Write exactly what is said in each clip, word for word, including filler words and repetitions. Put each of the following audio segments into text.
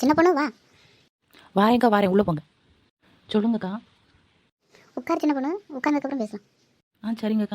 சின்ன பொண்ணு வா. வாரேங்க்கா வாரேன், உள்ளே போங்க. சொல்லுங்கக்கா. உட்கார் சின்ன பொண்ணு, உட்கார்ந்ததுக்கப்புறம் பேசலாம். ஆ சரிங்கக்கா.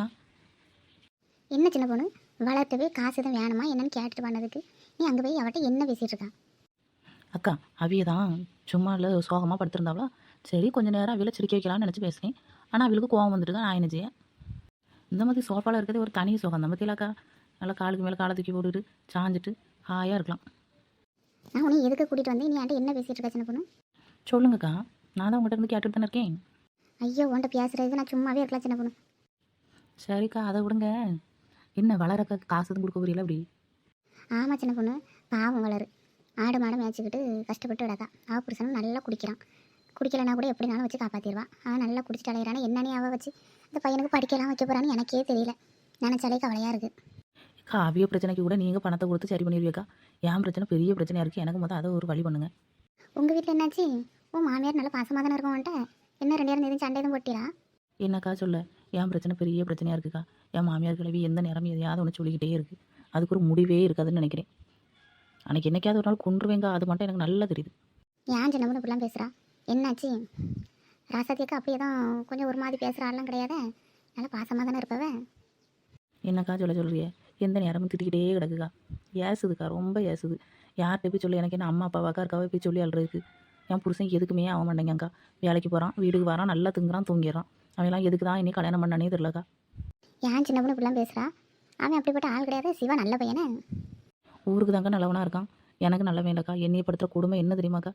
என்ன சின்ன பொண்ணு, வளர்த்து போய் காசு எதுவும் வேணுமா என்னன்னு கேட்டுட்டு பண்ணதுக்கு நீ அங்கே போய் அவட்ட என்ன பேசிகிட்டு இருக்கா? அக்கா அவிய தான் சும்மா இல்லை சோகமாக படுத்திருந்தாவளா, சரி கொஞ்சம் நேரம் அவியில் சிரிக்க வைக்கலாம்னு நினச்சி பேசுகிறேன். ஆனால் அவளுக்கு கோவம் வந்துட்டு தான் நான் என்ன செய்ய. இந்த மாதிரி சோஃபாவில் இருக்கிறது ஒரு தனி சோகம் தான் பற்றியிலாக்கா. நல்லா காலுக்கு மேலே காலை தூக்கி போட்டுட்டு சாஞ்சிட்டு ஹாயாக இருக்கலாம். நான் உன்னை எதுக்கு கூட்டிகிட்டு வந்தேன், நீ என்கிட்ட என்ன பேசிகிட்டு இருக்கா சின்ன பொண்ணு? சொல்லுங்கக்கா, நான் தான் உங்கள்கிட்ட இருந்து கேட்டுட்டு தானே இருக்கேன். ஐயோ உன்ட்ட பேசுறதுக்கு நான் சும்மாவே இருக்கலாம் சின்ன பொண்ணு. சரிக்கா அதை விடுங்க. என்ன வளரக்கா காசு எதுவும் கொடுக்க புரியல அப்படி? ஆமாம் சின்ன பொண்ணு, பாவம் வளரு. ஆடு மாடு மேய்ச்சிக்கிட்டு கஷ்டப்பட்டு விடாதா. அவள் புருஷனும் நல்லா குடிக்கிறான். குடிக்கலைன்னா கூட எப்படினாலும் வச்சு காப்பாற்றிடுவா. அவன் நல்லா குடிச்சிட்டு அலையிறானே, என்னன்னே அவள் வச்சு இந்த பையனுக்கு படிக்கலாம் வைக்க போகிறான்னு எனக்கே தெரியல. நினச்சாலே கவலையாக இருக்குது. அக்கா அவிய பிரச்சனைக்கு கூட நீங்கள் பணத்தை கொடுத்து சரி பண்ணிடுவீக்கா. என் பிரச்சனை பெரிய பிரச்சனையாக இருக்குது. எனக்கு மொத்தம் அதை ஒரு வழி பண்ணுங்க. உங்கள் வீட்டில் என்னாச்சு? உன் மாமியார் நல்லா பாசமாக தானே இருக்கும் வந்துட்டு. என்ன ரெண்டு நேரம் எதுவும் சண்டை எதுவும் போட்டிரா? என்னக்கா சொல்ல, என் பிரச்சனை பெரிய பிரச்சனையாக இருக்குக்கா. என் மாமியார் கிளவி எந்த நேரமும் எதையாவது ஒன்று சொல்லிக்கிட்டே இருக்குது. அதுக்கு ஒரு முடிவே இருக்காதுன்னு நினைக்கிறேன். அன்றைக்கி என்னைக்காவது ஒரு நாள் கொண்டுருவேங்க, அது மட்டும் எனக்கு நல்லா தெரியுது. ஏன் சின்ன பொண்ணு இப்படிலாம் பேசுகிறா? என்னாச்சு? ராசாத்தியக்கா அப்படியே தான் கொஞ்சம் ஒரு மாதிரி பேசுகிற ஆள்லாம் கிடையாது. நல்லா பாசமாக தானே இருப்பவ. என்னக்கா சொல்ல சொல்கிறிய? எந்த நேரமும் திட்டிக்கிட்டே கிடக்குக்கா. ஏசுதுக்கா, ரொம்ப ஏசுது. யார்கிட்ட போய் சொல்லி, எனக்கு என்ன அம்மா அப்பாவாக்கா இருக்காவே போய் சொல்லி அழுறதுக்கு. என் புருஷன் எதுக்குமே ஆக மாட்டேங்கக்கா. வேலைக்கு போகிறான், வீட்டுக்கு வரான், நல்லா திங்குறான், தூங்கிடுறான். அவெல்லாம் எதுக்கு தான் இன்னும் கல்யாணம் பண்ணானே தெரியலக்கா. ஏன் சின்ன பொண்ணு இப்படிலாம் பேசுகிறா? அவன் அப்படிப்பட்ட ஆள் கிடையாது. சிவா நல்ல பையனே. ஊருக்கு தாங்க நல்லவனாக இருக்கான், எனக்கு நல்ல வேண்டக்கா. என்னையை படுத்துகிற கொடுமை என்ன தெரியுமாக்கா?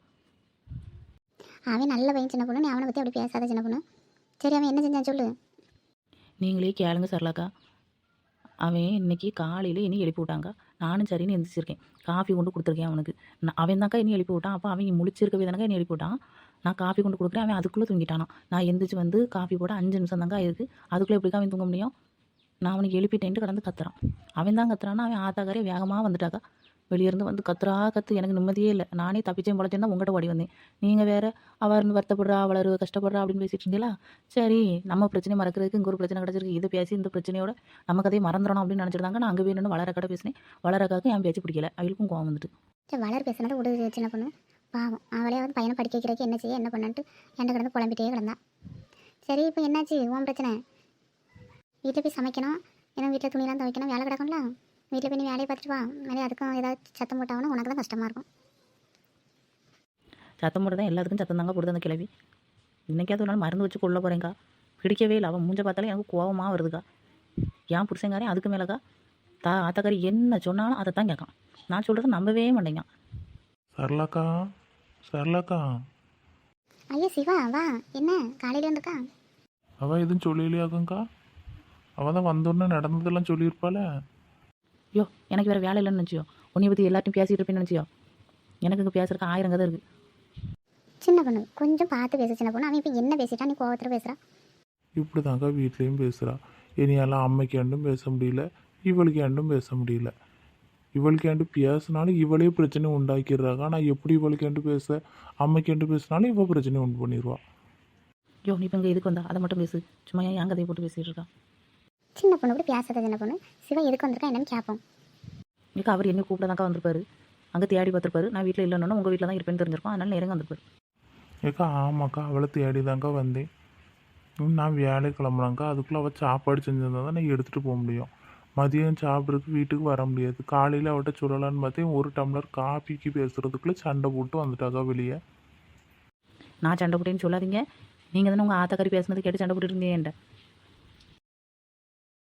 அவன் நல்ல பையன் சின்ன பொண்ணு, நீ அவனை பற்றி அப்படி பேசாத சின்ன பொண்ணு. சரி அவன் என்ன செஞ்சான் சொல்லு. நீங்களே கேளுங்க சரலாக்கா. அவன் இன்னைக்கு காலையில் இனி எழுப்பி விட்டாங்க. நானும் சரின்னு எந்திரிச்சிருக்கேன். காஃபி கொண்டு கொடுத்துருக்கேன் அவனுக்கு. நான் அவன் தாக்கா இனி எழுப்பி விட்டான். அப்போ அவன் முழிச்சிருக்கவே தானக்கா இனி எழுப்பி விட்டான். நான் காஃபி கொண்டு கொடுக்குறேன், அவன் அதுக்குள்ளே தூங்கிட்டானா. நான் எந்திரிச்சு வந்து காஃபி போட அஞ்சு நிமிஷம் தாங்க ஆயிருக்கு. அதுக்குள்ளே எப்படிக்கா அவன் தூங்க முடியும்? நான் அவனுக்கு எழுப்பிட்டேன்ட்டு கடந்து கத்துறான். அவன் தான் கத்துறான்னா, அவன் ஆத்தாக்காரே வேகமாக வந்துட்டாக்கா. வெளியேருந்து வந்து கத்துறா கற்று எனக்கு நிம்மதியே இல்லை. நானே தப்பிச்சேன் பொழைச்சேன் தான் உங்கள்கிட்ட ஓடி வந்தேன். நீங்கள் வேறு அவள் இருந்து வருத்தப்படுறா, வளரு கஷ்டப்படுறா அப்படின்னு பேசிட்டு இருந்தீங்களா. சரி நம்ம பிரச்சனை மறக்கிறதுக்கு இங்கே ஒரு பிரச்சனை கிடச்சிருக்கு, இதை பேசி இந்த பிரச்சனையோட நம்ம கதையை மறந்துடணும் அப்படின்னு நினச்சிருந்தாங்க. நான் அங்கே வேணும்னு வளர கடை பேசினேன். வளரக்காக்கு என் பேச்சு பிடிக்கல, அவளுக்கும் கோவம் வந்துட்டு. சரி வளர் பேசுனது விடு சின்ன பொண்ணு. பாவம் அவளே வந்து பையனை படிக்க வைக்கிறதுக்கு என்ன செய்ய என்ன பண்ணன்ட்டு என்கிட்ட கிடந்து புலம்பிட்டே கிடந்தா. சரி இப்போ என்னாச்சு உன் பிரச்சனை? வீட்டில் போய் சமைக்கணும், ஏன்னா வீட்டில் துணியெல்லாம் துவைக்கணும், வேலை கிடக்கும்ல. வீட்டில் போய் நீ வேலையை பார்த்துட்டு வா. நிறைய அதுக்கும் ஏதாவது சத்தம் போட்டாங்கன்னா உனக்கு தான் கஷ்டமாக இருக்கும். சத்தம் போட்டு தான் எல்லாத்துக்கும் சத்தம் தாங்க போடுது அந்த கிளவி. இன்றைக்காவது ஒரு நாள் மருந்து வச்சு கொள்ள போகிறேங்க்கா. பிடிக்கவே இல்லை. அவன் மூஞ்ச பார்த்தாலே எனக்கு கோவமாக வருதுக்கா. ஏன் புருஷங்காரே அதுக்கு மேலேக்கா தா ஆத்தக்காரி என்ன சொன்னாலும் அதை தான் கேட்கான். நான் சொல்கிறத நம்பவே மாட்டேங்க. சரளாக்கா, சரளாக்கா. ஐயா சிவா வா. என்ன காலையில் வந்துருக்கா? அவள் எதுவும் சொல்லலையாக்கா? அவள் தான் வந்தோடனே நடந்ததெல்லாம் சொல்லியிருப்பாள. ஐயோ எனக்கு வேறு வேலை இல்லைன்னு நினச்சியோ? உன்னை பற்றி எல்லாத்தையும் பேசிகிட்டு இருப்பேன்னு நினச்சியோ? எனக்கு இங்கே பேசுறதுக்கு ஆயிரம் கதை இருக்குது. சின்ன பொண்ணு கொஞ்சம் பார்த்து பேச சின்ன பொண்ணு. அவன் இப்போ என்ன பேசிட்டா நீ கோவத்தில் பேசுகிறா? இப்படி தாங்க வீட்லேயும் பேசுகிறா. இனியெல்லாம் அம்மைக்கு ஏண்டும் பேச முடியல, இவளுக்கு ஏண்டும் பேச முடியல. இவளுக்கு ஏண்டு பேசினாலும் இவளே பிரச்சனை உண்டாக்கிடுறாங்க. ஆனால் எப்படி இவளுக்கு ஏண்டு பேச, அம்மைக்கு ஏண்டு பேசினாலும் இவள் பிரச்சனை உண்டு பண்ணிடுவா. ஐயோ நீ இப்போ இங்கே எதுக்கு வந்தா? அதை மட்டும் பேசு. சும்மா ஏன் என் கதையை போட்டு பேசிகிட்டு இருக்கா? சின்ன பொண்ணு கூட பேசாத சின்ன பொண்ணு. சிவா எதுக்கு வந்திருக்கா என்னன்னு கேட்போம். இங்கே அவர் என்ன கூப்பிட தாக்கா வந்திருப்பாரு. அங்கே தேடி பார்த்துருப்பாரு. நான் வீட்டில் இல்லைன்னா உங்கள் வீட்டில் தான் இருப்பேன்னு தெரிஞ்சிருக்கோம். அதனால நேரங்க வந்திருப்பாரு. ஏக்கா ஆமாக்கா, அவளை தேடி தாங்க வந்தேன். நான் வேலை கிளம்புனாங்க்கா. அதுக்குள்ளே அவள் சாப்பாடு செஞ்சிருந்தா தான் நான் எடுத்துகிட்டு போக முடியும். மதியம் சாப்பிட்றதுக்கு வீட்டுக்கு வர முடியாது. காலையில் அவட்ட சொல்லலான்னு பார்த்தேன். ஒரு டம்ளர் காஃபிக்கு பேசுகிறதுக்குள்ளே சண்டை போட்டு வந்துட்டாக்கா வெளியே. நான் சண்டை போட்டேன்னு சொல்லாதீங்க. நீங்கள் தானே உங்கள் ஆத்தக்காரி பேசுனது கேட்டு சண்டை போட்டுட்டு இருந்தேன்.